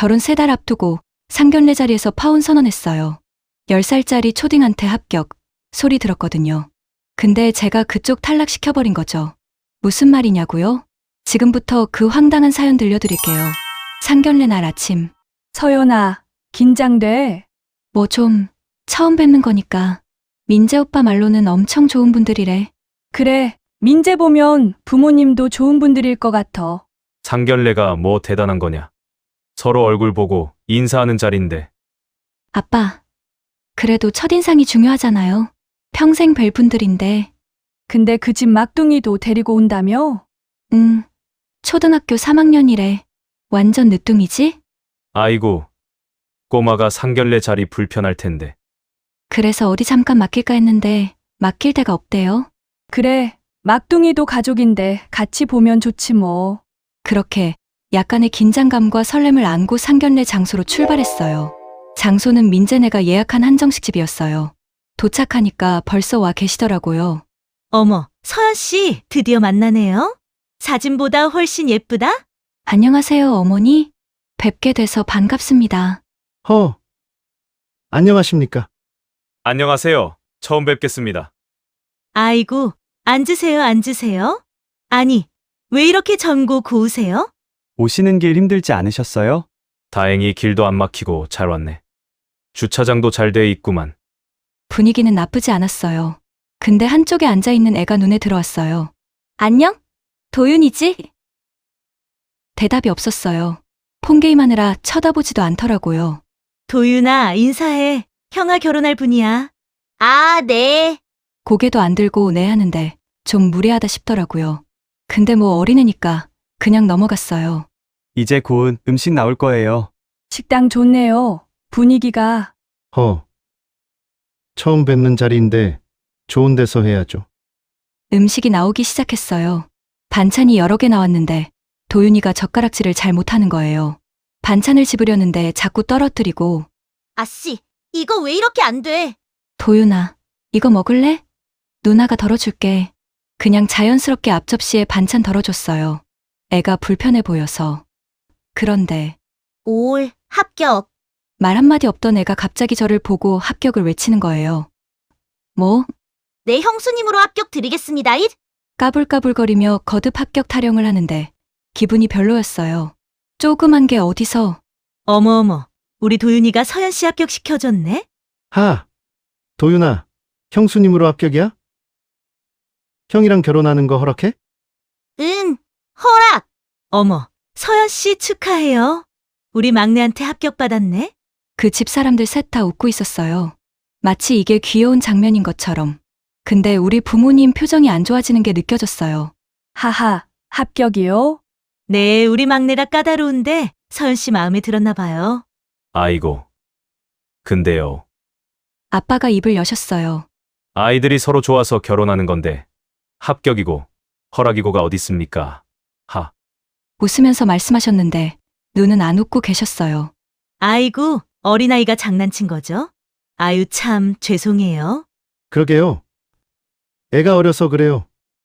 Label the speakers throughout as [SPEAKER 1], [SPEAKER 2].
[SPEAKER 1] 결혼 3달 앞두고 상견례 자리에서 파혼 선언했어요. 10살짜리 초딩한테 합격 소리 들었거든요. 근데 제가 그쪽 탈락시켜버린 거죠. 무슨 말이냐고요? 지금부터 그 황당한 사연 들려드릴게요. 상견례 날 아침.
[SPEAKER 2] 서연아, 긴장돼.
[SPEAKER 1] 뭐 좀 처음 뵙는 거니까. 민재 오빠 말로는 엄청 좋은 분들이래.
[SPEAKER 2] 그래, 민재 보면 부모님도 좋은 분들일 것 같아.
[SPEAKER 3] 상견례가 뭐 대단한 거냐. 서로 얼굴 보고 인사하는 자리인데.
[SPEAKER 1] 아빠, 그래도 첫인상이 중요하잖아요. 평생 뵐 분들인데.
[SPEAKER 2] 근데 그 집 막둥이도 데리고 온다며?
[SPEAKER 1] 초등학교 3학년이래. 완전 늦둥이지?
[SPEAKER 3] 아이고, 꼬마가 상견례 자리 불편할 텐데.
[SPEAKER 1] 그래서 어디 잠깐 맡길까 했는데 맡길 데가 없대요.
[SPEAKER 2] 그래, 막둥이도 가족인데 같이 보면 좋지 뭐.
[SPEAKER 1] 그렇게 약간의 긴장감과 설렘을 안고 상견례 장소로 출발했어요. 장소는 민재네가 예약한 한정식 집이었어요. 도착하니까 벌써 와 계시더라고요.
[SPEAKER 4] 어머, 서연 씨, 드디어 만나네요. 사진보다 훨씬 예쁘다?
[SPEAKER 1] 안녕하세요, 어머니. 뵙게 돼서 반갑습니다.
[SPEAKER 5] 안녕하십니까?
[SPEAKER 3] 안녕하세요. 처음 뵙겠습니다.
[SPEAKER 4] 아이고, 앉으세요, 앉으세요. 아니, 왜 이렇게 젊고 고우세요?
[SPEAKER 6] 오시는 길 힘들지 않으셨어요?
[SPEAKER 3] 다행히 길도 안 막히고 잘 왔네. 주차장도 잘 돼 있구만.
[SPEAKER 1] 분위기는 나쁘지 않았어요. 근데 한쪽에 앉아있는 애가 눈에 들어왔어요. 안녕? 도윤이지? 대답이 없었어요. 폰게임하느라 쳐다보지도 않더라고요.
[SPEAKER 4] 도윤아, 인사해. 형아 결혼할 분이야. 아, 네.
[SPEAKER 1] 고개도 안 들고 네 하는데 좀 무례하다 싶더라고요. 근데 뭐 어린애니까 그냥 넘어갔어요.
[SPEAKER 6] 이제 곧 음식 나올 거예요.
[SPEAKER 2] 식당 좋네요. 분위기가.
[SPEAKER 5] 처음 뵙는 자리인데 좋은 데서 해야죠.
[SPEAKER 1] 음식이 나오기 시작했어요. 반찬이 여러 개 나왔는데 도윤이가 젓가락질을 잘 못하는 거예요. 반찬을 집으려는데 자꾸 떨어뜨리고.
[SPEAKER 4] 아씨, 이거 왜 이렇게 안 돼?
[SPEAKER 1] 도윤아, 이거 먹을래? 누나가 덜어줄게. 그냥 자연스럽게 앞접시에 반찬 덜어줬어요. 애가 불편해 보여서. 그런데
[SPEAKER 4] 올, 합격.
[SPEAKER 1] 말 한마디 없던 애가 갑자기 저를 보고 합격을 외치는 거예요. 뭐?
[SPEAKER 4] 내 형수님으로 합격 드리겠습니다. 잇.
[SPEAKER 1] 까불까불거리며 거듭 합격 타령을 하는데 기분이 별로였어요. 조그만 게 어디서.
[SPEAKER 4] 어머어머, 우리 도윤이가 서연 씨 합격 시켜줬네?
[SPEAKER 5] 도윤아, 형수님으로 합격이야? 형이랑 결혼하는 거 허락해?
[SPEAKER 4] 응, 허락. 어머, 서연 씨 축하해요. 우리 막내한테 합격 받았네?
[SPEAKER 1] 그 집 사람들 셋 다 웃고 있었어요. 마치 이게 귀여운 장면인 것처럼. 근데 우리 부모님 표정이 안 좋아지는 게 느껴졌어요.
[SPEAKER 2] 하하, 합격이요?
[SPEAKER 4] 네, 우리 막내가 까다로운데 서연 씨 마음에 들었나 봐요.
[SPEAKER 3] 아이고. 근데요.
[SPEAKER 1] 아빠가 입을 여셨어요.
[SPEAKER 3] 아이들이 서로 좋아서 결혼하는 건데 합격이고 허락이고가 어딨습니까? 하.
[SPEAKER 1] 웃으면서 말씀하셨는데 눈은 안 웃고 계셨어요.
[SPEAKER 4] 아이고, 어린아이가 장난친 거죠? 아유, 참 죄송해요.
[SPEAKER 5] 그러게요. 애가 어려서 그래요.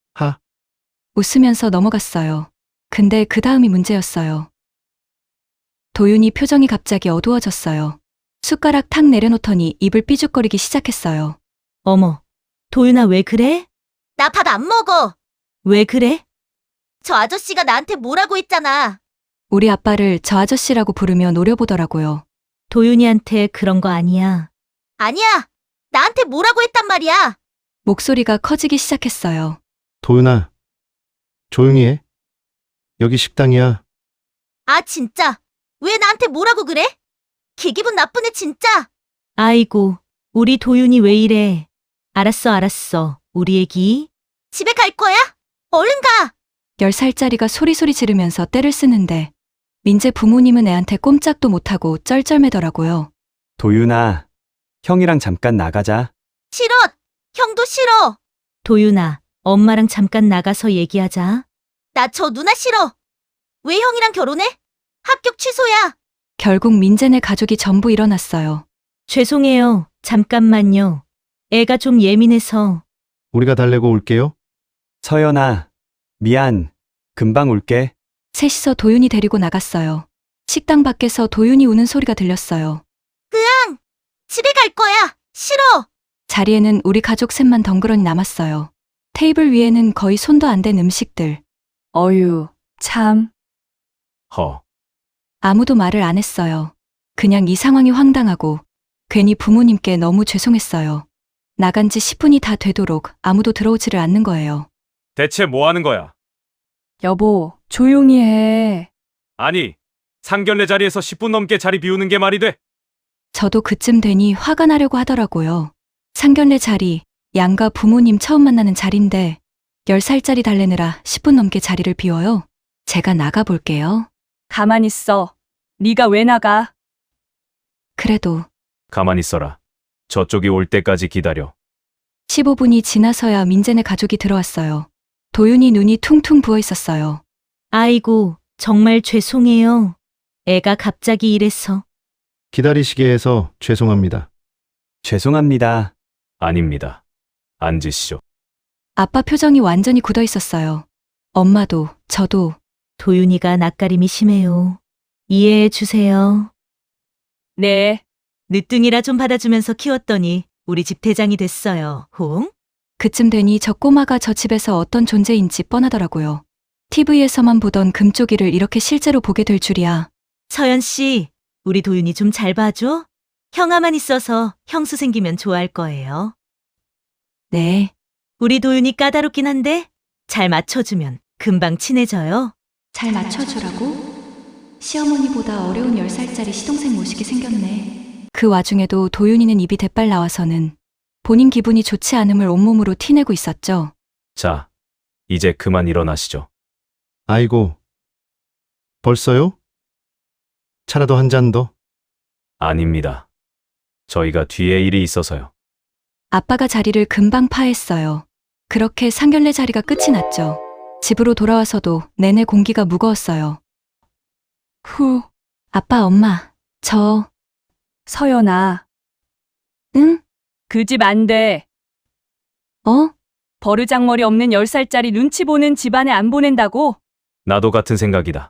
[SPEAKER 1] 웃으면서 넘어갔어요. 근데 그 다음이 문제였어요. 도윤이 표정이 갑자기 어두워졌어요. 숟가락 탁 내려놓더니 입을 삐죽거리기 시작했어요.
[SPEAKER 4] 어머, 도윤아 왜 그래? 나 밥 안 먹어. 왜 그래? 저 아저씨가 나한테 뭐라고 했잖아.
[SPEAKER 1] 우리 아빠를 저 아저씨라고 부르며 노려보더라고요.
[SPEAKER 4] 도윤이한테 그런 거 아니야. 아니야. 나한테 뭐라고 했단 말이야.
[SPEAKER 1] 목소리가 커지기 시작했어요.
[SPEAKER 5] 도윤아, 조용히 해. 여기 식당이야.
[SPEAKER 4] 아, 진짜. 왜 나한테 뭐라고 그래? 걔 기분 나쁘네, 진짜. 아이고, 우리 도윤이 왜 이래. 알았어, 알았어. 우리 애기. 집에 갈 거야? 얼른 가.
[SPEAKER 1] 10살짜리가 소리소리 지르면서 떼를 쓰는데 민재 부모님은 애한테 꼼짝도 못하고 쩔쩔매더라고요.
[SPEAKER 6] 도윤아, 형이랑 잠깐 나가자.
[SPEAKER 4] 싫어. 형도 싫어. 도윤아, 엄마랑 잠깐 나가서 얘기하자. 나 저 누나 싫어. 왜 형이랑 결혼해? 합격 취소야.
[SPEAKER 1] 결국 민재네 가족이 전부 일어났어요.
[SPEAKER 4] 죄송해요. 잠깐만요. 애가 좀 예민해서.
[SPEAKER 5] 우리가 달래고 올게요.
[SPEAKER 6] 서연아, 미안. 금방 올게.
[SPEAKER 1] 셋이서 도윤이 데리고 나갔어요. 식당 밖에서 도윤이 우는 소리가 들렸어요.
[SPEAKER 4] 집에 갈 거야. 싫어.
[SPEAKER 1] 자리에는 우리 가족 셋만 덩그러니 남았어요. 테이블 위에는 거의 손도 안 댄 음식들.
[SPEAKER 2] 어유, 참.
[SPEAKER 3] 허.
[SPEAKER 1] 아무도 말을 안 했어요. 그냥 이 상황이 황당하고 괜히 부모님께 너무 죄송했어요. 나간 지 10분이 다 되도록 아무도 들어오지를 않는 거예요.
[SPEAKER 3] 대체 뭐 하는 거야?
[SPEAKER 2] 여보, 조용히 해.
[SPEAKER 3] 아니, 상견례 자리에서 10분 넘게 자리 비우는 게 말이 돼?
[SPEAKER 1] 저도 그쯤 되니 화가 나려고 하더라고요. 상견례 자리, 양가 부모님 처음 만나는 자리인데 10살짜리 달래느라 10분 넘게 자리를 비워요. 제가 나가볼게요.
[SPEAKER 2] 가만히 있어. 네가 왜 나가?
[SPEAKER 1] 그래도
[SPEAKER 3] 가만히 있어라. 저쪽이 올 때까지 기다려.
[SPEAKER 1] 15분이 지나서야 민재네 가족이 들어왔어요. 도윤이 눈이 퉁퉁 부어 있었어요.
[SPEAKER 4] 아이고, 정말 죄송해요. 애가 갑자기 이래서.
[SPEAKER 5] 기다리시게 해서 죄송합니다.
[SPEAKER 6] 죄송합니다.
[SPEAKER 3] 아닙니다. 앉으시죠.
[SPEAKER 1] 아빠 표정이 완전히 굳어 있었어요. 엄마도 저도.
[SPEAKER 4] 도윤이가 낯가림이 심해요. 이해해 주세요.
[SPEAKER 2] 네.
[SPEAKER 4] 늦둥이라 좀 받아주면서 키웠더니 우리 집 대장이 됐어요. 홍?
[SPEAKER 1] 그쯤 되니 저 꼬마가 저 집에서 어떤 존재인지 뻔하더라고요. TV에서만 보던 금쪽이를 이렇게 실제로 보게 될 줄이야.
[SPEAKER 4] 서연 씨, 우리 도윤이 좀 잘 봐줘. 형아만 있어서 형수 생기면 좋아할 거예요.
[SPEAKER 1] 네.
[SPEAKER 4] 우리 도윤이 까다롭긴 한데 잘 맞춰주면 금방 친해져요.
[SPEAKER 1] 잘 맞춰주라고? 시어머니보다 어려운 10살짜리 시동생 모시게 생겼네. 그 와중에도 도윤이는 입이 대빨 나와서는 본인 기분이 좋지 않음을 온몸으로 티내고 있었죠.
[SPEAKER 3] 자, 이제 그만 일어나시죠.
[SPEAKER 5] 아이고. 벌써요? 차라도 한 잔 더?
[SPEAKER 3] 아닙니다. 저희가 뒤에 일이 있어서요.
[SPEAKER 1] 아빠가 자리를 금방 파했어요. 그렇게 상견례 자리가 끝이 났죠. 집으로 돌아와서도 내내 공기가 무거웠어요.
[SPEAKER 2] 후,
[SPEAKER 1] 아빠, 엄마, 저,
[SPEAKER 2] 서연아.
[SPEAKER 1] 응?
[SPEAKER 2] 그 집 안 돼.
[SPEAKER 1] 어?
[SPEAKER 2] 버르장머리 없는 10살짜리 눈치 보는 집안에 안 보낸다고?
[SPEAKER 3] 나도 같은 생각이다.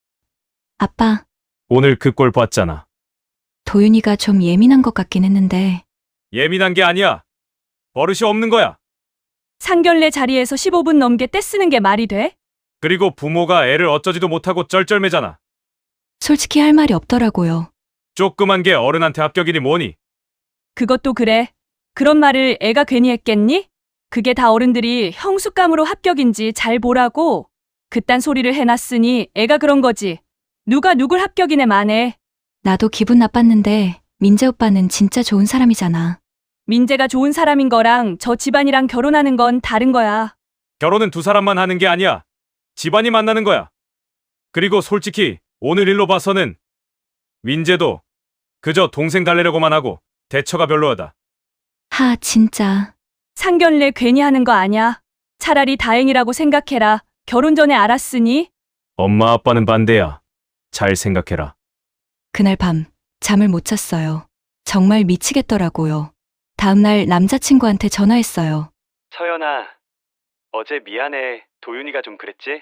[SPEAKER 1] 아빠,
[SPEAKER 3] 오늘 그 꼴 봤잖아.
[SPEAKER 1] 도윤이가 좀 예민한 것 같긴 했는데,
[SPEAKER 3] 예민한 게 아니야. 버릇이 없는 거야.
[SPEAKER 2] 상견례 자리에서 15분 넘게 떼쓰는 게 말이 돼?
[SPEAKER 3] 그리고 부모가 애를 어쩌지도 못하고 쩔쩔매잖아.
[SPEAKER 1] 솔직히 할 말이 없더라고요.
[SPEAKER 3] 조그만 게 어른한테 합격이니 뭐니?
[SPEAKER 2] 그것도 그래. 그런 말을 애가 괜히 했겠니? 그게 다 어른들이 형수감으로 합격인지 잘 보라고. 그딴 소리를 해놨으니 애가 그런 거지. 누가 누굴 합격이네 마네.
[SPEAKER 1] 나도 기분 나빴는데, 민재 오빠는 진짜 좋은 사람이잖아.
[SPEAKER 2] 민재가 좋은 사람인 거랑 저 집안이랑 결혼하는 건 다른 거야.
[SPEAKER 3] 결혼은 두 사람만 하는 게 아니야. 집안이 만나는 거야. 그리고 솔직히 오늘 일로 봐서는 민재도 그저 동생 달래려고만 하고 대처가 별로하다.
[SPEAKER 1] 하, 진짜.
[SPEAKER 2] 상견례 괜히 하는 거 아냐. 차라리 다행이라고 생각해라. 결혼 전에 알았으니.
[SPEAKER 3] 엄마 아빠는 반대야. 잘 생각해라.
[SPEAKER 1] 그날 밤, 잠을 못 잤어요. 정말 미치겠더라고요. 다음날 남자친구한테 전화했어요.
[SPEAKER 6] 서연아, 어제 미안해. 도윤이가 좀 그랬지?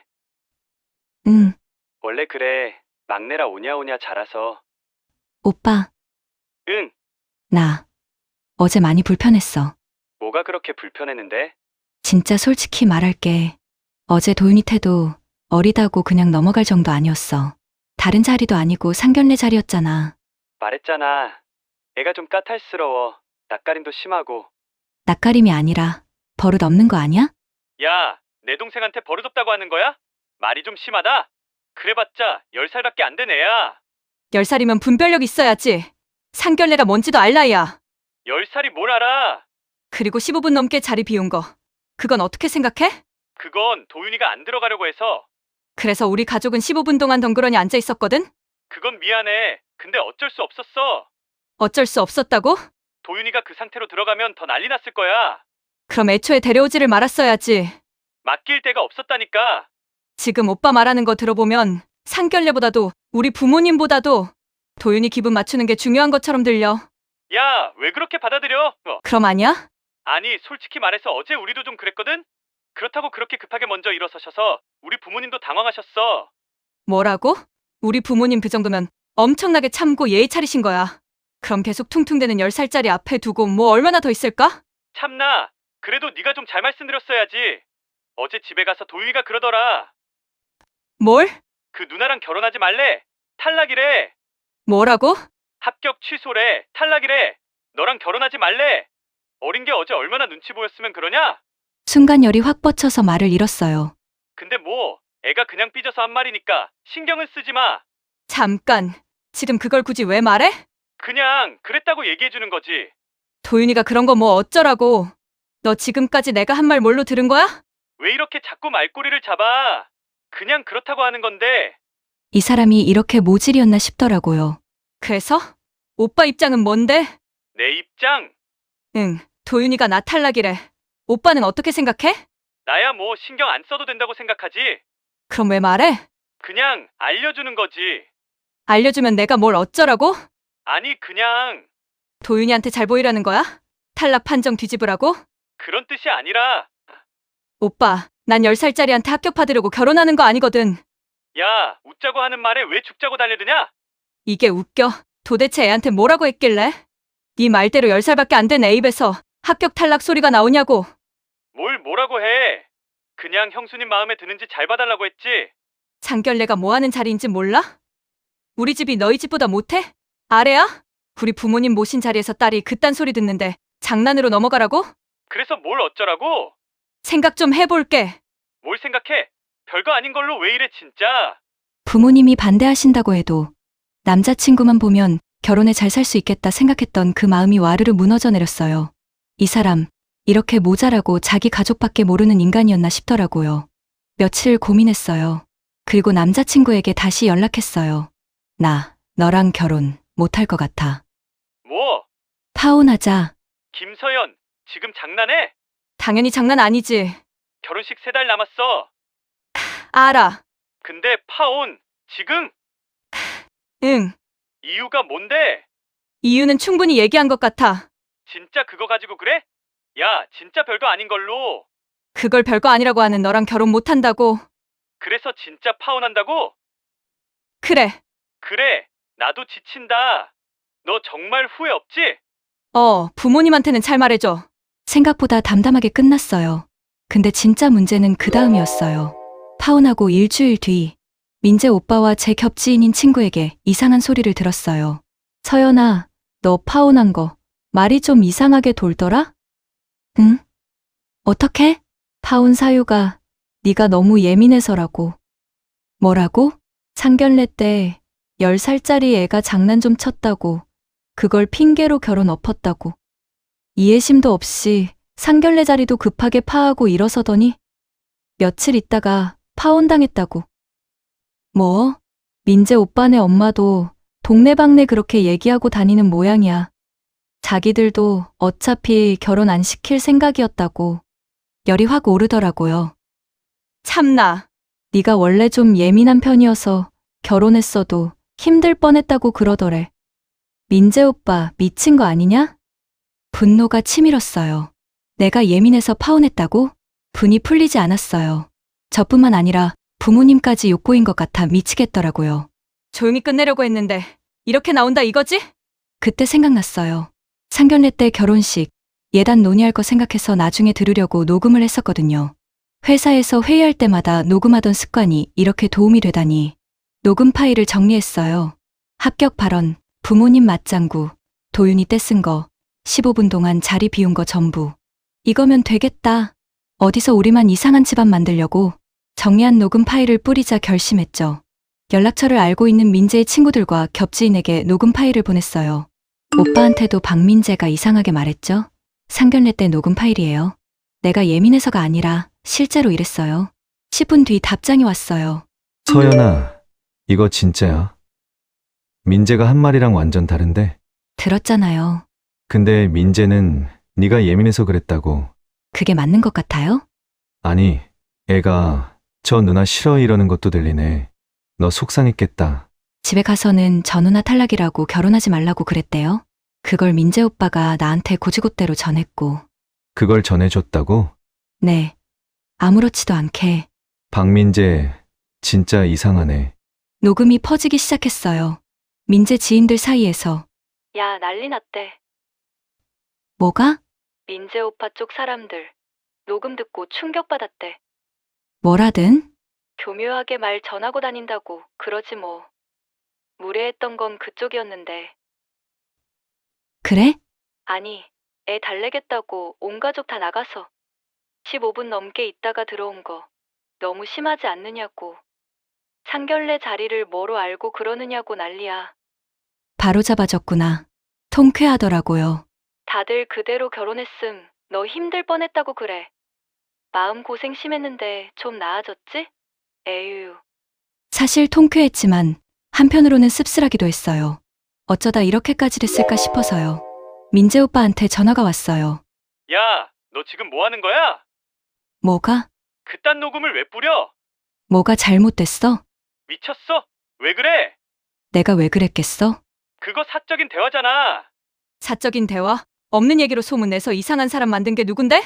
[SPEAKER 1] 응,
[SPEAKER 6] 원래 그래. 막내라 오냐오냐 자라서.
[SPEAKER 1] 오빠,
[SPEAKER 6] 응,
[SPEAKER 1] 나 어제 많이 불편했어.
[SPEAKER 6] 뭐가 그렇게 불편했는데?
[SPEAKER 1] 진짜 솔직히 말할게. 어제 도윤이 태도 어리다고 그냥 넘어갈 정도 아니었어. 다른 자리도 아니고 상견례 자리였잖아.
[SPEAKER 6] 말했잖아. 애가 좀 까탈스러워. 낯가림도 심하고.
[SPEAKER 1] 낯가림이 아니라 버릇 없는 거 아니야?
[SPEAKER 6] 야, 내 동생한테 버릇없다고 하는 거야? 말이 좀 심하다. 그래봤자 10살밖에 안 된 애야.
[SPEAKER 1] 10살이면 분별력 있어야지. 상견례가 뭔지도 알 나이야.
[SPEAKER 6] 10살이 뭘 알아?
[SPEAKER 1] 그리고 15분 넘게 자리 비운 거. 그건 어떻게 생각해?
[SPEAKER 6] 그건 도윤이가 안 들어가려고 해서.
[SPEAKER 1] 그래서 우리 가족은 15분 동안 덩그러니 앉아 있었거든?
[SPEAKER 6] 그건 미안해. 근데 어쩔 수 없었어.
[SPEAKER 1] 어쩔 수 없었다고?
[SPEAKER 6] 도윤이가 그 상태로 들어가면 더 난리 났을 거야.
[SPEAKER 1] 그럼 애초에 데려오지를 말았어야지.
[SPEAKER 6] 맡길 데가 없었다니까.
[SPEAKER 1] 지금 오빠 말하는 거 들어보면 상견례보다도 우리 부모님보다도 도윤이 기분 맞추는 게 중요한 것처럼 들려.
[SPEAKER 6] 야, 왜 그렇게 받아들여?
[SPEAKER 1] 그럼 아니야?
[SPEAKER 6] 아니, 솔직히 말해서 어제 우리도 좀 그랬거든? 그렇다고 그렇게 급하게 먼저 일어서셔서 우리 부모님도 당황하셨어.
[SPEAKER 1] 뭐라고? 우리 부모님 그 정도면 엄청나게 참고 예의 차리신 거야. 그럼 계속 퉁퉁대는 10살짜리 앞에 두고 뭐 얼마나 더 있을까?
[SPEAKER 6] 참나, 그래도 네가 좀 잘 말씀드렸어야지. 어제 집에 가서 도윤이가 그러더라.
[SPEAKER 1] 뭘?
[SPEAKER 6] 그 누나랑 결혼하지 말래. 탈락이래.
[SPEAKER 1] 뭐라고?
[SPEAKER 6] 합격 취소래. 탈락이래. 너랑 결혼하지 말래. 어린 게 어제 얼마나 눈치 보였으면 그러냐?
[SPEAKER 1] 순간 열이 확 뻗쳐서 말을 잃었어요.
[SPEAKER 6] 근데 뭐 애가 그냥 삐져서 한 말이니까 신경은 쓰지 마.
[SPEAKER 1] 잠깐, 지금 그걸 굳이 왜 말해?
[SPEAKER 6] 그냥 그랬다고 얘기해주는 거지.
[SPEAKER 1] 도윤이가 그런 거 뭐 어쩌라고. 너 지금까지 내가 한 말 뭘로 들은 거야?
[SPEAKER 6] 왜 이렇게 자꾸 말꼬리를 잡아? 그냥 그렇다고 하는 건데.
[SPEAKER 1] 이 사람이 이렇게 모질이었나 싶더라고요. 그래서? 오빠 입장은 뭔데?
[SPEAKER 6] 내 입장?
[SPEAKER 1] 응, 도윤이가 나 탈락이래. 오빠는 어떻게 생각해?
[SPEAKER 6] 나야 뭐 신경 안 써도 된다고 생각하지.
[SPEAKER 1] 그럼 왜 말해?
[SPEAKER 6] 그냥 알려주는 거지.
[SPEAKER 1] 알려주면 내가 뭘 어쩌라고?
[SPEAKER 6] 아니 그냥
[SPEAKER 1] 도윤이한테 잘 보이라는 거야? 탈락 판정 뒤집으라고?
[SPEAKER 6] 그런 뜻이 아니라.
[SPEAKER 1] 오빠, 난 10살짜리한테 합격 받으려고 결혼하는 거 아니거든.
[SPEAKER 6] 야, 웃자고 하는 말에 왜 죽자고 달려드냐?
[SPEAKER 1] 이게 웃겨. 도대체 애한테 뭐라고 했길래? 네 말대로 10살밖에 안 된 애 입에서 합격 탈락 소리가 나오냐고.
[SPEAKER 6] 뭘 뭐라고 해. 그냥 형수님 마음에 드는지 잘 봐달라고 했지.
[SPEAKER 1] 장결례가 뭐 하는 자리인지 몰라? 우리 집이 너희 집보다 못해? 아래야? 우리 부모님 모신 자리에서 딸이 그딴 소리 듣는데 장난으로 넘어가라고?
[SPEAKER 6] 그래서 뭘 어쩌라고?
[SPEAKER 1] 생각 좀 해볼게.
[SPEAKER 6] 뭘 생각해? 별거 아닌 걸로 왜 이래 진짜.
[SPEAKER 1] 부모님이 반대하신다고 해도 남자친구만 보면 결혼에 잘 살 수 있겠다 생각했던 그 마음이 와르르 무너져 내렸어요. 이 사람, 이렇게 모자라고 자기 가족밖에 모르는 인간이었나 싶더라고요. 며칠 고민했어요. 그리고 남자친구에게 다시 연락했어요. 나, 너랑 결혼 못할 것 같아.
[SPEAKER 6] 뭐?
[SPEAKER 1] 파혼하자.
[SPEAKER 6] 김서연, 지금 장난해?
[SPEAKER 1] 당연히 장난 아니지.
[SPEAKER 6] 결혼식 3달 남았어.
[SPEAKER 1] 알아.
[SPEAKER 6] 근데 파혼, 지금?
[SPEAKER 1] 응.
[SPEAKER 6] 이유가 뭔데?
[SPEAKER 1] 이유는 충분히 얘기한 것 같아.
[SPEAKER 6] 진짜 그거 가지고 그래? 야, 진짜 별거 아닌 걸로.
[SPEAKER 1] 그걸 별거 아니라고 하는 너랑 결혼 못한다고.
[SPEAKER 6] 그래서 진짜 파혼한다고?
[SPEAKER 1] 그래.
[SPEAKER 6] 그래, 나도 지친다. 너 정말 후회 없지?
[SPEAKER 1] 부모님한테는 잘 말해줘. 생각보다 담담하게 끝났어요. 근데 진짜 문제는 그 다음이었어요. 파혼하고 일주일 뒤, 민재 오빠와 제 겹지인인 친구에게 이상한 소리를 들었어요. 서연아, 너 파혼한 거 말이 좀 이상하게 돌더라? 응? 어떻게? 파혼 사유가 네가 너무 예민해서라고. 뭐라고? 상견례 때 10살짜리 애가 장난 좀 쳤다고. 그걸 핑계로 결혼 엎었다고. 이해심도 없이 상견례 자리도 급하게 파하고 일어서더니 며칠 있다가 파혼당했다고. 뭐? 민재 오빠네 엄마도 동네방네 그렇게 얘기하고 다니는 모양이야. 자기들도 어차피 결혼 안 시킬 생각이었다고. 열이 확 오르더라고요. 참나. 네가 원래 좀 예민한 편이어서 결혼했어도 힘들 뻔했다고 그러더래. 민재 오빠 미친 거 아니냐? 분노가 치밀었어요. 내가 예민해서 파혼했다고? 분이 풀리지 않았어요. 저뿐만 아니라 부모님까지 욕보인 것 같아 미치겠더라고요. 조용히 끝내려고 했는데 이렇게 나온다 이거지? 그때 생각났어요. 상견례 때 결혼식, 예단 논의할 거 생각해서 나중에 들으려고 녹음을 했었거든요. 회사에서 회의할 때마다 녹음하던 습관이 이렇게 도움이 되다니. 녹음 파일을 정리했어요. 합격 발언, 부모님 맞장구, 도윤이 떼쓴 거, 15분 동안 자리 비운 거 전부. 이거면 되겠다. 어디서 우리만 이상한 집안 만들려고. 정리한 녹음 파일을 뿌리자 결심했죠. 연락처를 알고 있는 민재의 친구들과 겹지인에게 녹음 파일을 보냈어요. 오빠한테도 박민재가 이상하게 말했죠. 상견례 때 녹음 파일이에요. 내가 예민해서가 아니라 실제로 이랬어요. 10분 뒤 답장이 왔어요.
[SPEAKER 7] 서연아, 이거 진짜야. 민재가 한 말이랑 완전 다른데?
[SPEAKER 1] 들었잖아요.
[SPEAKER 7] 근데 민재는 네가 예민해서 그랬다고.
[SPEAKER 1] 그게 맞는 것 같아요?
[SPEAKER 7] 아니, 애가 저 누나 싫어 이러는 것도 들리네. 너 속상했겠다.
[SPEAKER 1] 집에 가서는 저 누나 탈락이라고 결혼하지 말라고 그랬대요. 그걸 민재 오빠가 나한테 고지고대로 전했고.
[SPEAKER 7] 그걸 전해줬다고?
[SPEAKER 1] 네. 아무렇지도 않게.
[SPEAKER 7] 박민재, 진짜 이상하네.
[SPEAKER 1] 녹음이 퍼지기 시작했어요. 민재 지인들 사이에서. 야, 난리 났대. 뭐가? 민재 오빠 쪽 사람들. 녹음 듣고 충격받았대. 뭐라든? 교묘하게 말 전하고 다닌다고 그러지 뭐. 무례했던 건 그쪽이었는데. 그래? 아니, 애 달래겠다고 온 가족 다 나가서 15분 넘게 있다가 들어온 거 너무 심하지 않느냐고. 상견례 자리를 뭐로 알고 그러느냐고 난리야. 바로 잡아줬구나. 통쾌하더라고요. 다들 그대로 결혼했음 너 힘들 뻔했다고 그래. 마음 고생 심했는데 좀 나아졌지? 에휴. 사실 통쾌했지만 한편으로는 씁쓸하기도 했어요. 어쩌다 이렇게까지 됐을까 싶어서요. 민재 오빠한테 전화가 왔어요.
[SPEAKER 6] 야, 너 지금 뭐 하는 거야?
[SPEAKER 1] 뭐가?
[SPEAKER 6] 그딴 녹음을 왜 뿌려?
[SPEAKER 1] 뭐가 잘못됐어?
[SPEAKER 6] 미쳤어? 왜 그래?
[SPEAKER 1] 내가 왜 그랬겠어?
[SPEAKER 6] 그거 사적인 대화잖아.
[SPEAKER 2] 사적인 대화? 없는 얘기로 소문내서 이상한 사람 만든 게 누군데?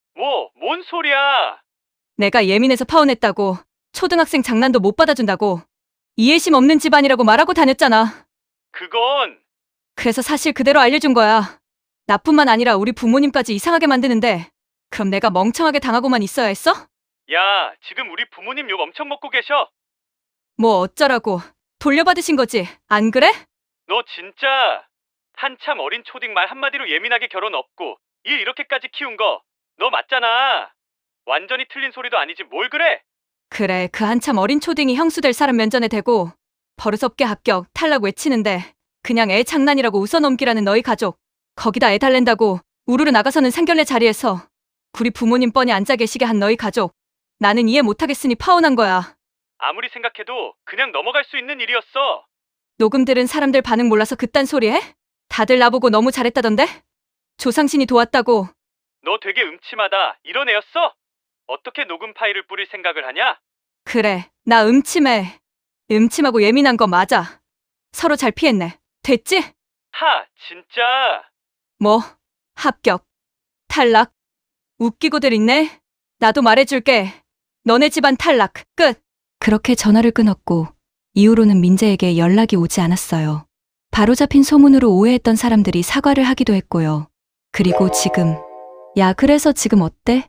[SPEAKER 6] 뭔 소리야?
[SPEAKER 2] 내가 예민해서 파혼했다고, 초등학생 장난도 못 받아준다고, 이해심 없는 집안이라고 말하고 다녔잖아.
[SPEAKER 6] 그건
[SPEAKER 2] 그래서 사실 그대로 알려준 거야. 나뿐만 아니라 우리 부모님까지 이상하게 만드는데 그럼 내가 멍청하게 당하고만 있어야 했어?
[SPEAKER 6] 야, 지금 우리 부모님 욕 엄청 먹고 계셔.
[SPEAKER 2] 뭐 어쩌라고. 돌려받으신 거지, 안 그래?
[SPEAKER 6] 너 진짜 한참 어린 초딩 말 한마디로 예민하게 결혼 없고 일 이렇게까지 키운 거 너 맞잖아. 완전히 틀린 소리도 아니지 뭘 그래?
[SPEAKER 2] 그래, 그 한참 어린 초딩이 형수 될 사람 면전에 대고 버릇없게 합격, 탈락 외치는데 그냥 애 장난이라고 웃어넘기라는 너희 가족. 거기다 애 달랜다고 우르르 나가서는 상견례 자리에서 우리 부모님 뻔히 앉아 계시게 한 너희 가족. 나는 이해 못하겠으니 파혼한 거야.
[SPEAKER 6] 아무리 생각해도 그냥 넘어갈 수 있는 일이었어.
[SPEAKER 2] 녹음 들은 사람들 반응 몰라서 그딴 소리 해? 다들 나보고 너무 잘했다던데? 조상신이 도왔다고.
[SPEAKER 6] 너 되게 음침하다. 이런 애였어? 어떻게 녹음 파일을 뿌릴 생각을 하냐?
[SPEAKER 2] 그래, 나 음침해. 음침하고 예민한 거 맞아. 서로 잘 피했네. 됐지?
[SPEAKER 6] 하, 진짜.
[SPEAKER 2] 뭐, 합격, 탈락, 웃기고들 있네? 나도 말해줄게. 너네 집안 탈락, 끝.
[SPEAKER 1] 그렇게 전화를 끊었고 이후로는 민재에게 연락이 오지 않았어요. 바로잡힌 소문으로 오해했던 사람들이 사과를 하기도 했고요. 그리고 지금, 야, 그래서 지금 어때?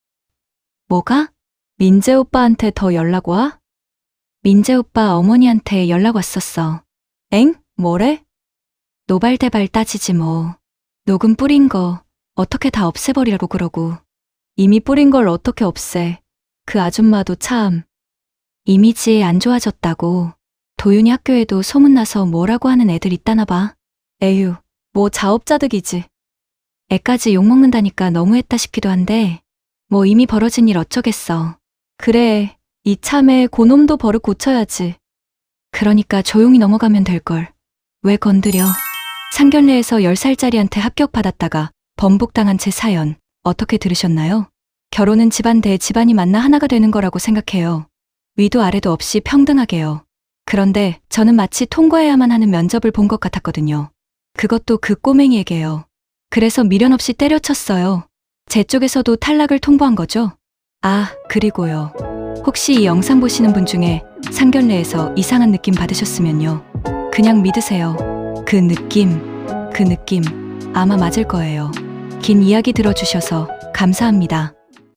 [SPEAKER 1] 뭐가? 민재 오빠한테 더 연락 와? 민재 오빠 어머니한테 연락 왔었어. 엥? 뭐래? 노발대발 따지지 뭐. 녹음 뿌린 거 어떻게 다 없애버리라고 그러고. 이미 뿌린 걸 어떻게 없애. 그 아줌마도 참. 이미지 안 좋아졌다고. 도윤이 학교에도 소문나서 뭐라고 하는 애들 있다나 봐. 에휴, 뭐 자업자득이지. 애까지 욕먹는다니까 너무했다 싶기도 한데 뭐 이미 벌어진 일 어쩌겠어. 그래, 이참에 고놈도 버릇 고쳐야지. 그러니까 조용히 넘어가면 될걸. 왜 건드려. 상견례에서 10살짜리한테 합격받았다가 번복당한 제 사연 어떻게 들으셨나요? 결혼은 집안 대 집안이 만나 하나가 되는 거라고 생각해요. 위도 아래도 없이 평등하게요. 그런데 저는 마치 통과해야만 하는 면접을 본 것 같았거든요. 그것도 그 꼬맹이에게요. 그래서 미련 없이 때려쳤어요. 제 쪽에서도 탈락을 통보한 거죠. 아, 그리고요. 혹시 이 영상 보시는 분 중에 상견례에서 이상한 느낌 받으셨으면요. 그냥 믿으세요. 그 느낌 아마 맞을 거예요. 긴 이야기 들어주셔서 감사합니다.